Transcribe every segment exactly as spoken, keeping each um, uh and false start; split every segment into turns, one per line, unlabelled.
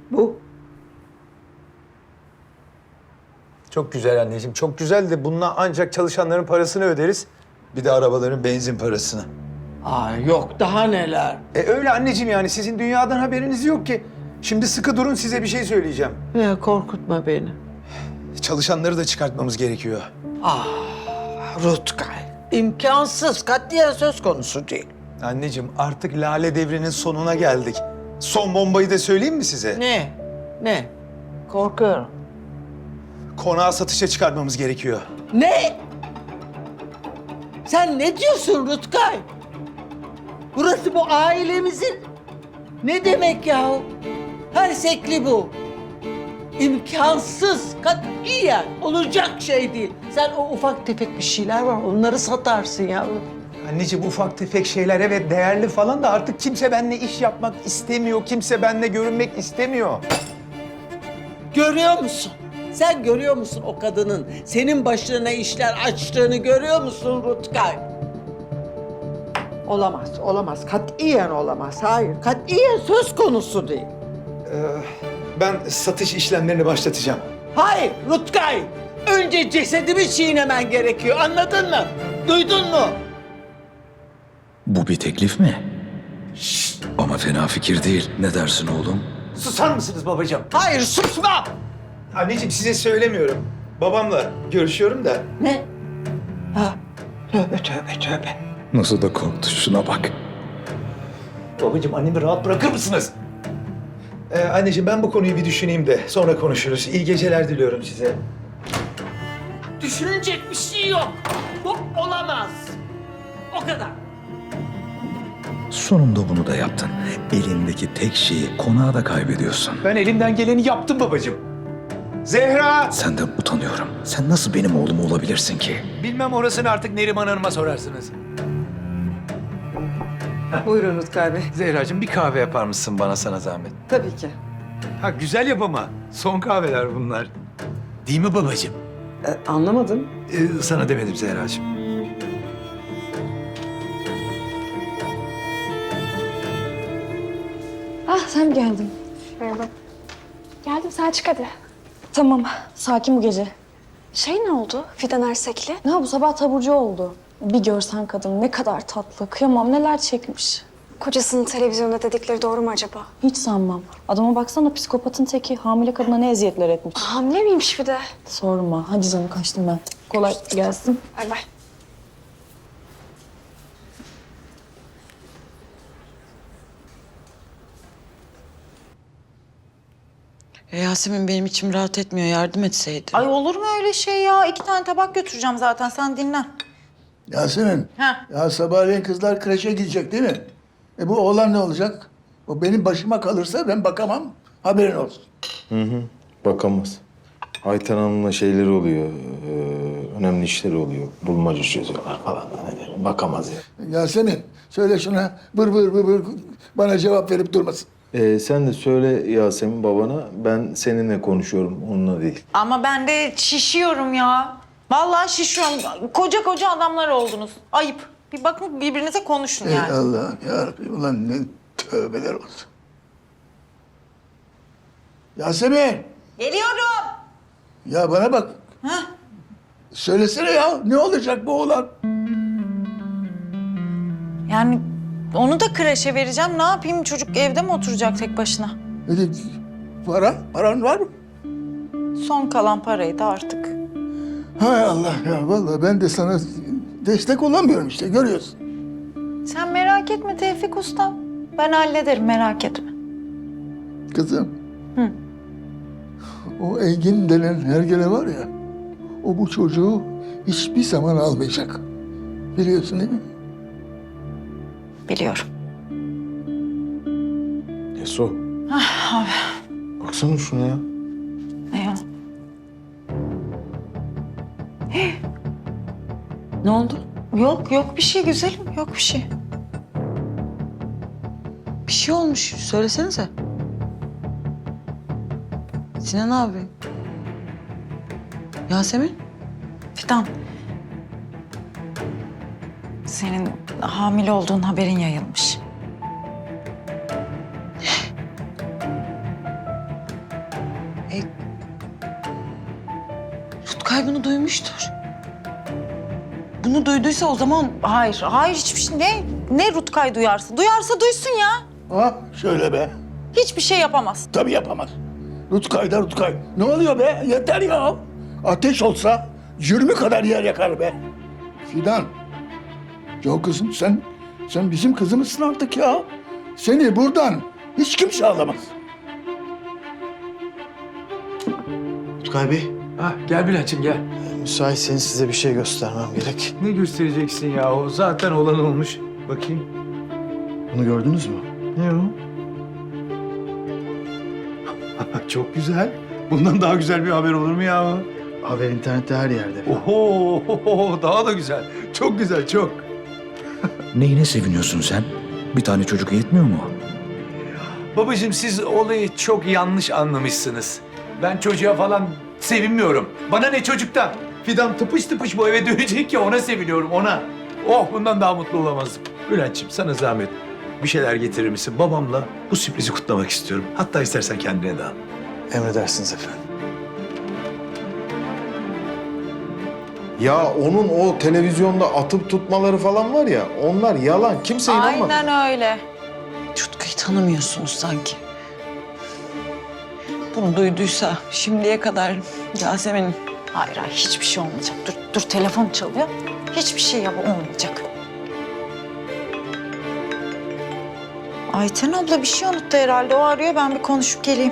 Bu.
Çok güzel anneciğim, çok güzel de bununla ancak çalışanların parasını öderiz. Bir de arabaların benzin parasını.
Aa, yok daha neler.
E öyle anneciğim, yani sizin dünyadan haberiniz yok ki. Şimdi sıkı durun, size bir şey söyleyeceğim.
Ya, korkutma beni.
Çalışanları da çıkartmamız gerekiyor.
Ah, Rutkay. İmkansız, katiyen söz konusu değil.
Anneciğim, artık Lale devrinin sonuna geldik. Son bombayı da söyleyeyim mi size?
Ne? Ne? Korkuyorum.
Konağı satışa çıkarmamız gerekiyor.
Ne? Sen ne diyorsun Rutkay? Burası bu ailemizin... Ne demek yahu? Her sekli bu. İmkansız, katiyen olacak şey değil. Sen o ufak tefek bir şeyler var, onları satarsın yavrum.
Anneciğim, ufak tefek şeyler evet değerli falan da artık kimse benimle iş yapmak istemiyor. Kimse benimle görünmek istemiyor.
Görüyor musun? Sen görüyor musun o kadının senin başına işler açtığını görüyor musun Rutkay? Olamaz, olamaz. Katiyen olamaz. Hayır, katiyen söz konusu değil.
Ben satış işlemlerini başlatacağım.
Hayır Rutkay! Önce cesedimi çiğnemen gerekiyor, anladın mı? Duydun mu?
Bu bir teklif mi? Şşt, ama fena fikir değil. Ne dersin oğlum?
Susar mısınız babacığım?
Hayır, susma!
Anneciğim, size söylemiyorum. Babamla görüşüyorum da.
Ne? Ha, tövbe tövbe tövbe.
Nasıl da korktu, şuna bak.
Babacığım, annemi rahat bırakır mısınız? Ee, anneciğim, ben bu konuyu bir düşüneyim de sonra konuşuruz. İyi geceler diliyorum size.
Düşünecek bir şey yok. Bu olamaz. O kadar.
Sonunda bunu da yaptın. Elindeki tek şeyi, konağı da kaybediyorsun.
Ben elimden geleni yaptım babacığım. Zehra!
Senden utanıyorum. Sen nasıl benim oğlum olabilirsin ki?
Bilmem, orasını artık Neriman Hanım'a sorarsınız.
Buyurun Rutkay Bey.
Zehracığım, bir kahve yapar mısın bana, sana zahmet?
Tabii ki.
Ha, güzel yap ama. Son kahveler bunlar. Değil mi babacığım?
Ee, anlamadım.
Ee, sana demedim Zehracığım.
Ah, sen mi geldin?
Merhaba. Geldim Selçuk hadi.
Tamam, sakin bu gece.
Şey ne oldu Fidan Ersekli?
Ne bu sabah taburcu oldu. Bir görsen kadın ne kadar tatlı. Kıyamam, neler çekmiş.
Kocasının televizyonda dedikleri doğru mu acaba?
Hiç sanmam. Adama baksana, psikopatın teki. Hamile kadına ne eziyetler etmiş.
Hamile miymiş bir de?
Sorma. Hadi canım, kaçtım ben. Kolay gelsin.
Bay bay.
E, Yasemin, benim içim rahat etmiyor. Yardım etseydin.
Ay olur mu öyle şey ya? İki tane tabak götüreceğim zaten. Sen dinlen.
Yasemin,
Ha.
ya sabahleyin kızlar kreşe gidecek değil mi? E bu oğlan ne olacak? O benim başıma kalırsa ben bakamam. Haberin olsun.
Bakamaz. Ayten Hanım'la şeyleri oluyor, e, önemli işleri oluyor. Bulmaca çözüyorlar falan. Hani bakamaz ya.
Yasemin, söyle şuna bır bır bır bır bana cevap verip durmasın.
E, sen de söyle Yasemin babana, ben seninle konuşuyorum, onunla değil.
Ama ben de şişiyorum ya. Vallahi şişiyorum. Koca koca adamlar oldunuz. Ayıp. Bir bakın birbirinize konuşun
Ey
yani.
Allah'ım yarabbim, ulan ne tövbeler olsun. Yasemin,
Geliyorum.
ya bana bak.
Hah.
Söylesene ya, ne olacak bu oğlan?
Yani onu da kreşe vereceğim. Ne yapayım? Çocuk evde mi oturacak tek başına?
Öyle para, paran var mı?
Son kalan parayı da artık.
Hay Allah ya, vallahi ben de sana destek olamıyorum işte, görüyorsun.
Sen merak etme Tevfik Usta. Ben hallederim, merak etme.
Kızım.
Hı.
O Engin denen hergele var ya, o bu çocuğu hiçbir zaman almayacak. Biliyorsun değil mi?
Biliyorum.
Eso,
Ah, abi.
baksana şuna ya.
Ne ya? Hey. Ne oldu? Yok, yok bir şey güzelim. Yok bir şey. Bir şey olmuş. Söylesenize. Sinan abi. Yasemin. Fidan. Senin hamile olduğun haberin yayılmış. Rutkay bunu duymuştur. Bunu duyduysa o zaman hayır, hayır hiçbir şey ne ne Rutkay duyarsa. Duyarsa duysun ya.
Ha şöyle be.
Hiçbir şey yapamaz.
Tabii yapamaz. Rutkay da Rutkay. Ne oluyor be? Yeter ya. Ateş olsa yirmi kadar yer yakar be. Fidan. Ya kızım sen, sen bizim kızımızsın artık ya. Seni buradan hiç kimse alamaz.
Rutkay Bey,
Ha, gel Bülent'ciğim gel.
müsaitseniz size bir şey göstermem gerek.
Ne göstereceksin ya? O zaten olan olmuş. Bakayım.
Bunu gördünüz mü?
Ne o? Çok güzel. Bundan daha güzel bir haber olur mu ya?
Haber internette her yerde.
Oho, daha da güzel. Çok güzel, çok. Neyine seviniyorsun sen? Bir tane çocuk yetmiyor mu?
Babacığım siz olayı çok yanlış anlamışsınız. Ben çocuğa falan sevinmiyorum. Bana ne çocuktan? Fidan tıpış tıpış bu eve dönecek ya ona seviniyorum ona. Oh bundan daha mutlu olamazdım. Bülent'ciğim sana zahmet bir şeyler getirir misin? Babamla bu sürprizi kutlamak istiyorum. Hatta istersen kendine de al.
Emredersiniz efendim.
Ya onun o televizyonda atıp tutmaları falan var ya, onlar yalan. Kimse inanmaz.
Aynen öyle.
Rutkay'ı tanımıyorsunuz sanki. Bunu duyduysa şimdiye kadar Yasemin...
Hayır hayır hiçbir şey olmayacak. Dur dur telefon çalıyor. Hiçbir şey yap olmayacak. Ayten abla bir şey unuttu herhalde. O arıyor ben bir konuşup geleyim.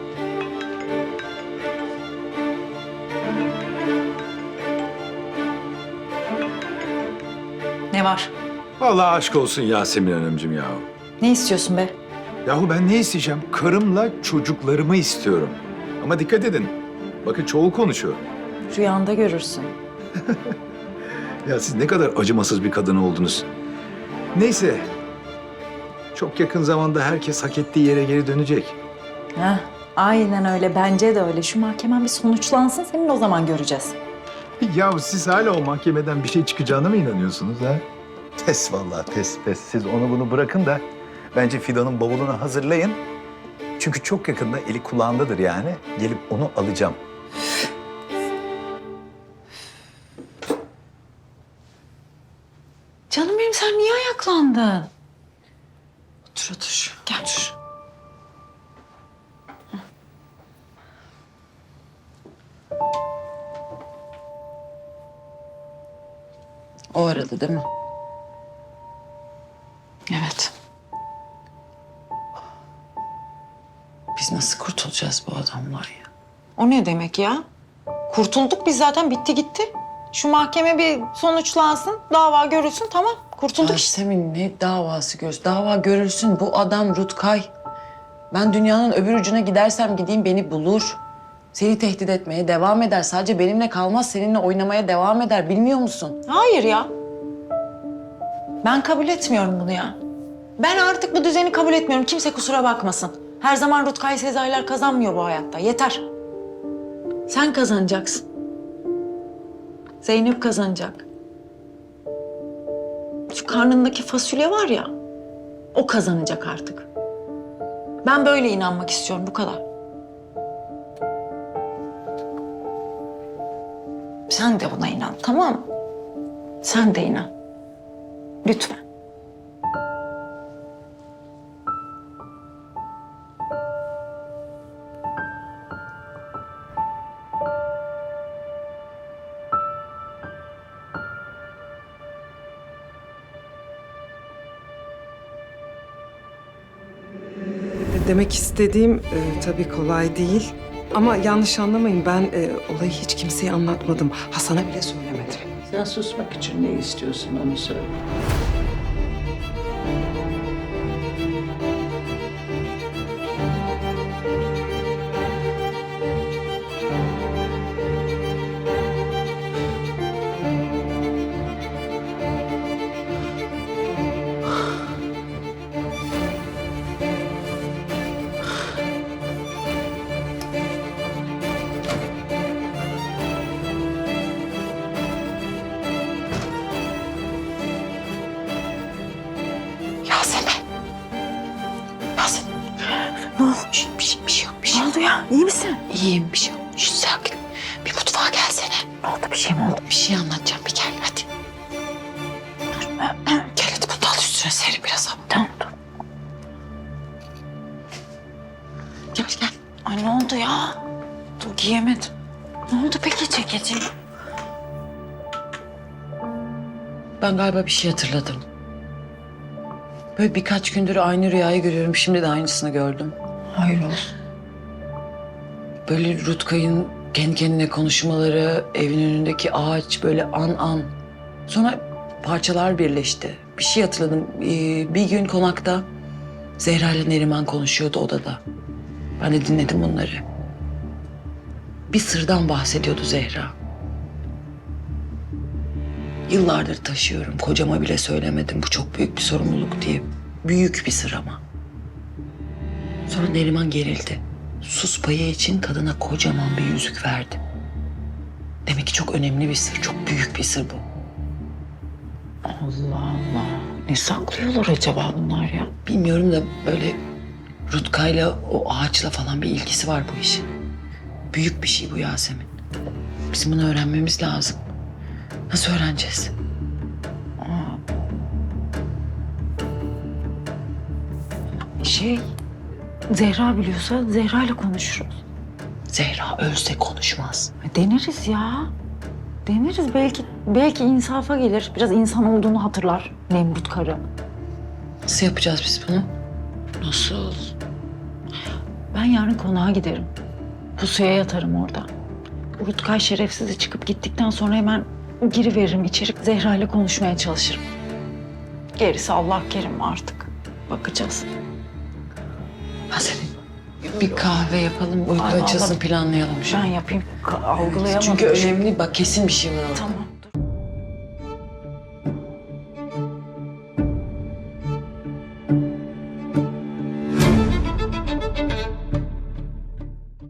Ne var?
Vallahi aşk olsun Yasemin Hanımcığım ya.
Ne istiyorsun be?
Yahu ben ne isteyeceğim? Karımla çocuklarımı istiyorum. Ama dikkat edin. Bakın çoğul konuşuyor.
Rüyanda görürsün.
Ya siz ne kadar acımasız bir kadın oldunuz. Neyse. Çok yakın zamanda herkes hak ettiği yere geri dönecek.
Heh, aynen öyle. Bence de öyle. Şu mahkemen bir sonuçlansın. Senin o zaman göreceğiz.
Ya siz hala o mahkemeden bir şey çıkacağına mı inanıyorsunuz ha? Pes vallahi pes pes. Siz onu bunu bırakın da bence Fidan'ın bavulunu hazırlayın. Çünkü çok yakında eli kulağındadır yani. Gelip onu alacağım.
Canım benim sen niye ayaklandın? Otur otur. Gel otur.
O aradı değil mi?
Evet.
Biz nasıl kurtulacağız bu adamlar ya?
O ne demek ya? Kurtulduk biz zaten bitti gitti. Şu mahkeme bir sonuçlansın, dava görülsün tamam. Kurtulduk işte.
Yasemin ne davası göz? Dava görülsün. Bu adam Rutkay. Ben dünyanın öbür ucuna gidersem gideyim beni bulur. Seni tehdit etmeye devam eder. Sadece benimle kalmaz, seninle oynamaya devam eder. Bilmiyor musun?
Hayır ya. Ben kabul etmiyorum bunu ya. Ben artık bu düzeni kabul etmiyorum. Kimse kusura bakmasın. Her zaman Rutkay Sezai'ler kazanmıyor bu hayatta. Yeter. Sen kazanacaksın. Zeynep kazanacak. Şu karnındaki fasulye var ya, o kazanacak artık. Ben böyle inanmak istiyorum, bu kadar. Sen de buna inan, tamam mı? Sen de inan. Lütfen.
Demek istediğim e, tabii kolay değil. Ama yanlış anlamayın ben e, olayı hiç kimseye anlatmadım. Hasan'a bile söylemedim.
Sen susmak için ne istiyorsun onu söyle.
Yasemin. Yasemin. Ne olmuş? Bir şey, bir şey yok, bir şey oldu ya. İyi misin? İyiyim, bir şey yok. Şş, sakin. Bir mutfağa
gelsene.
Ne oldu, bir şey mi oldu?
Bir şey anlatacağım, bir gel hadi. Gel hadi bunu da al üstüne serin biraz hava.
Tamam dur.
Gel gel.
Ay ne oldu ya? Dur giyemedim. Ne oldu peki ceketi?
Ben galiba bir şey hatırladım. Böyle birkaç gündür aynı rüyayı görüyorum. Şimdi de aynısını gördüm.
Hayır olsun.
Böyle Rutkay'ın kendi kendine konuşmaları, evin önündeki ağaç böyle an an. Sonra parçalar birleşti. Bir şey hatırladım. Ee, bir gün konakta Zehra ile Neriman konuşuyordu odada. Ben de dinledim bunları. Bir sırdan bahsediyordu Zehra. Yıllardır taşıyorum. Kocama bile söylemedim. Bu çok büyük bir sorumluluk diye. Büyük bir sır ama. Sonra Neriman gerildi. Sus payı için kadına kocaman bir yüzük verdi. Demek ki çok önemli bir sır. Çok büyük bir sır bu.
Allah Allah. Ne saklıyorlar acaba bunlar ya?
Bilmiyorum da böyle Rutkay'la o ağaçla falan bir ilgisi var bu işin. Büyük bir şey bu Yasemin. Bizim bunu öğrenmemiz lazım. Nasıl öğreneceğiz?
Şey, Zehra biliyorsa Zehra ile konuşuruz.
Zehra ölse konuşmaz.
Deneriz ya. Deneriz belki belki insafa gelir. Biraz insan olduğunu hatırlar Nemrut karı.
Nasıl yapacağız biz bunu?
Nasıl? Ben yarın konağa giderim. Pusuya yatarım orada. Rutkay şerefsizi çıkıp gittikten sonra hemen giriveririm içeri. Zehra ile konuşmaya çalışırım. Gerisi Allah kerim artık. Bakacağız.
Yasemin bir kahve yapalım, uyku
Ay,
açılsın
vallahi
planlayalım şu
Ben
an.
yapayım. Ka- Algılayamadım.
Çünkü önemli bak kesin bir şey var orada.
Tamam.